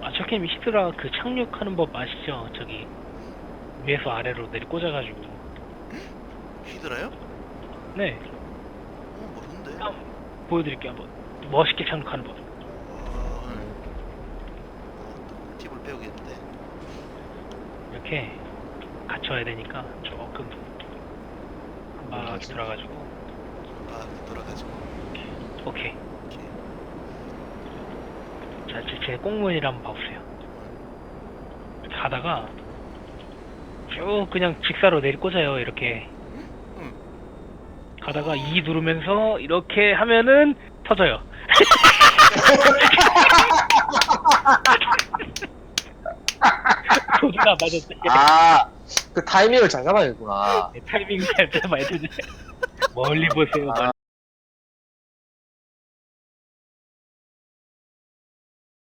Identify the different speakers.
Speaker 1: 저게임 히드라 그 착륙하는 법 아시죠? 저기 위에서 아래로 내리 꽂아가지고.
Speaker 2: 히드라요?
Speaker 1: 네,
Speaker 2: 모르는데.
Speaker 1: 보여드릴게요 한번. 멋있게 착륙하는 법.
Speaker 2: 팁을 배우겠는데.
Speaker 1: 이렇게 갖춰야 되니까 조금 막 들어가지고.
Speaker 2: 돌아가지고.
Speaker 1: 오케이.
Speaker 2: 이렇게.
Speaker 1: 자, 제 꽁무니를 한번 봐보세요. 가다가 쭉 그냥 직사로 내리 꽂아요. 이렇게
Speaker 2: 응.
Speaker 1: 가다가 E 누르면서 이렇게 하면은 터져요. 소리가 안 맞았대.
Speaker 3: 아, 그 타이밍을 잘 잡아야겠구나.
Speaker 1: 타이밍 잘 잡아야 되네. 멀리 보세요.
Speaker 3: 아,